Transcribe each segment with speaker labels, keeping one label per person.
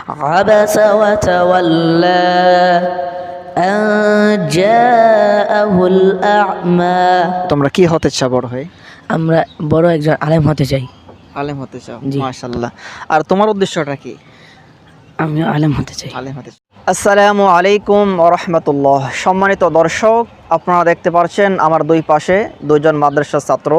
Speaker 1: عبس وتولى أن جاءه الأعمى
Speaker 2: তোমরা কি হতে চাও বড় হয়ে?
Speaker 1: আমরা বড় একজন আলেম হতে চাই।
Speaker 2: আলেম হতে চাও,
Speaker 1: জি।
Speaker 2: মাশাআল্লাহ। আর তোমার উদ্দেশ্যটা কি?
Speaker 1: আমি আলেম হতে চাই।
Speaker 2: আলেম হতে চাও। আসসালামু আলাইকুম ওয়া রাহমাতুল্লাহ। সম্মানিত দর্শক, আপনারা দেখতে পাচ্ছেন আমার দুই পাশে দুইজন মাদ্রাসার ছাত্র।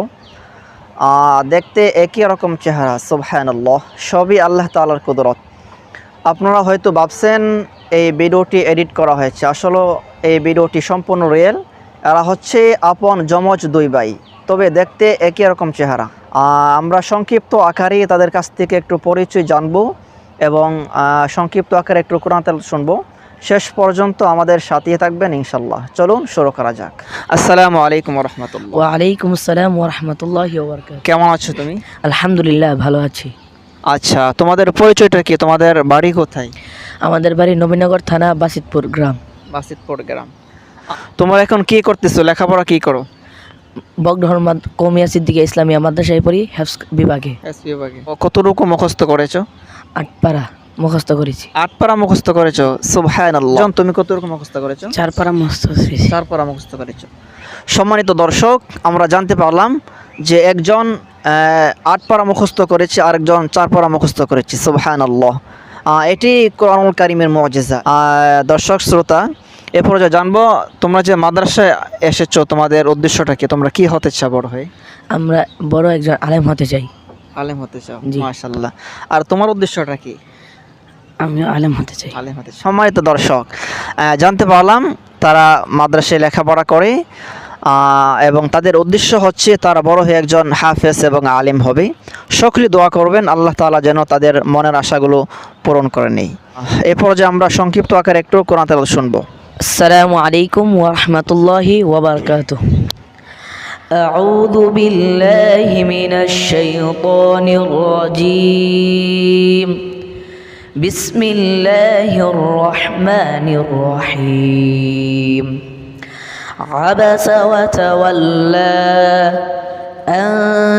Speaker 2: দেখতে একই রকম চেহারা, সুবহানাল্লাহ। সবই আল্লাহ তাআলার কুদরত। আপনারা হয়তো ভাবছেন এই ভিডিওটি এডিট করা হয়েছে, আসলে এই ভিডিওটি সম্পূর্ণ রিয়েল। এরা হচ্ছে আপন যমজ দুই ভাই, তবে দেখতে একই রকম চেহারা। আমরা সংক্ষিপ্ত আকারে তাদের কাছ থেকে একটু পরিচয় জানবো এবং সংক্ষিপ্ত আকারে একটু কোরআন তেলাওয়াত শুনবো। শেষ পর্যন্ত আমাদের সাথে থাকবেন ইনশাল্লাহ। চলুন শুরু করা যাক। আসসালামু আলাইকুম ওয়া রাহমাতুল্লাহ।
Speaker 1: ওয়ালাইকুম আসসালাম ওয়া রাহমাতুল্লাহি ওয়া বারাকাতুহু।
Speaker 2: কেমন আছো তুমি?
Speaker 1: আলহামদুলিল্লাহ, ভালো আছি।
Speaker 2: আচ্ছা, তোমাদের পরিচয়টা কি? তোমাদের বাড়ি কোথায়?
Speaker 1: আমাদের বাড়ি নবীনগর থানা, বাসিতপুর গ্রাম।
Speaker 2: বাসিতপুর গ্রাম। তোমরা এখন কি করতেছো? লেখাপড়া কি করো?
Speaker 1: বগডহর কৌমিয়া সিদ্দিকিয়া ইসলামিয়া মাদ্রাসায় পড়ি, হেফজ বিভাগে।
Speaker 2: কতটুকু মুখস্থ করেছো?
Speaker 1: 8 পারা মুখস্থ করেছি।
Speaker 2: 8 পারা মুখস্থ করেছো, সুবহানাল্লাহ। তুমি কতটুকু মুখস্থ করেছো?
Speaker 1: 4 পারা মুখস্থ করেছি।
Speaker 2: 4 পারা মুখস্থ করেছো। সম্মানিত দর্শক, আমরা জানতে পারলাম যে একজন 8 পারা মুখস্থ করেছে, আরেকজন 4 পারা মুখস্থ করেছে, সুবহানাল্লাহ। এটি কোরআনুল কারীমের মুজিজা। দর্শক শ্রোতা, এ পর্যায়ে জানবো তোমরা যে মাদ্রাসায় এসেছো, তোমাদের উদ্দেশ্যটা কি? তোমরা কি হতে চাও বড় হয়ে?
Speaker 1: আমরা বড় একজন আলেম হতে চাই।
Speaker 2: আলেম হতে চাও,
Speaker 1: জি।
Speaker 2: মাশাআল্লাহ। আর তোমার উদ্দেশ্যটা কি?
Speaker 1: আমি আলেম হতে চাই।
Speaker 2: আলেম হতে। সম্মানিত দর্শক, জানতে পারলাম তারা মাদ্রাসায় লেখাপড়া করে এবং তাদের উদ্দেশ্য হচ্ছে তারা বড় হয়ে একজন হাফেজ এবং আলেম হবে। সকলে দোয়া করবেন আল্লাহ তাআলা যেন তাদের মনের আশাগুলো পূরণ করে নেই। এ পর্যায়ে আমরা সংক্ষিপ্ত আকারে একটু কোরআন তেলাওয়াত শুনবো।
Speaker 1: আসসালামু আলাইকুম ওয়া রাহমাতুল্লাহি ওয়া বারাকাতুহু। আউযু বিল্লাহি মিনাশ শাইতানির রাজীম। বিসমিল্লাহির রহমানির রহিম। আবাসা ওয়া তাওয়াল্লা আন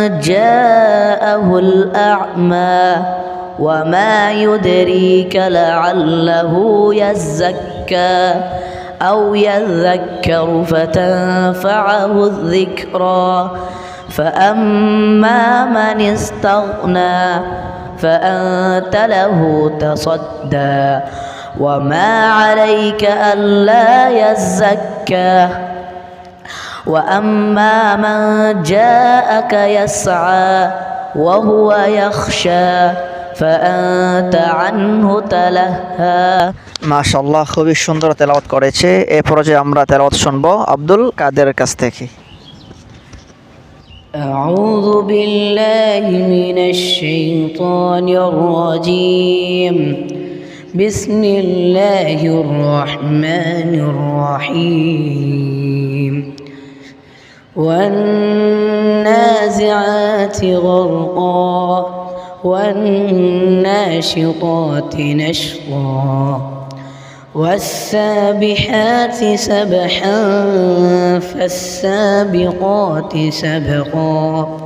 Speaker 1: জাআহুল আ'মা ওয়া মা ইউদরিকা লাআল্লাহু ইয়াযাক্কা أو يذكر فتنفعه الذكرى فأما من استغنى فأنت له تصدى وما عليك ألا يزكى وأما من جاءك يسعى وهو يخشى فأنت عنه تلهى।
Speaker 2: মাশাআল্লাহ, খুবই সুন্দর তেলাওয়াত করেছে। এই পর্যায়ে আমরা তেলাওয়াত শুনবো আব্দুল কাদেরের কাছ থেকে।
Speaker 1: أعوذ بالله من الشيطان الرجيم. بسم الله الرحمن الرحيم. والنازعات غرقا والناشطات نشطا والسابحات سبحا فالسابقات سبقا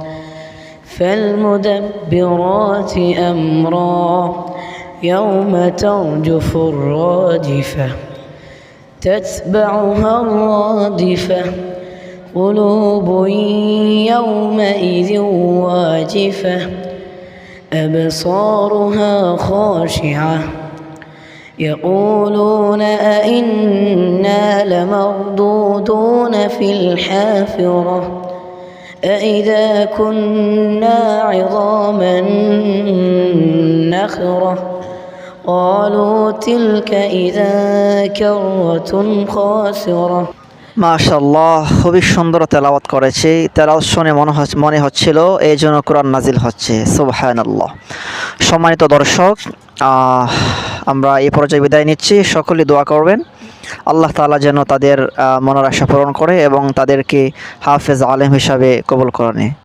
Speaker 1: فالمدبرات أمرا يوم ترجف الراجفة تتبعها الرادفة قلوب يومئذ واجفة أبصارها خاشعة يقولون أئنا لمردودون في الحافرة أئذا كنا عظاما نخرة قالوا تلك إذا كرة خاسرة।
Speaker 2: মাশাআল্লাহ, খুবই সুন্দর তেলাওয়াত করেছে। তেলাওয়াত শুনে মনে হচ্ছিল এই জন্য কোরআন নাজিল হচ্ছে, সুবহানাল্লাহ। সম্মানিত দর্শক, আমরা এই পর্যায়ে বিদায় নিচ্ছি। সকলে দোয়া করবেন আল্লাহ তাআলা যেন তাদের মনের আশা পূরণ করে এবং তাদেরকে হাফেজ আলেম হিসাবে কবুল করে নেয়।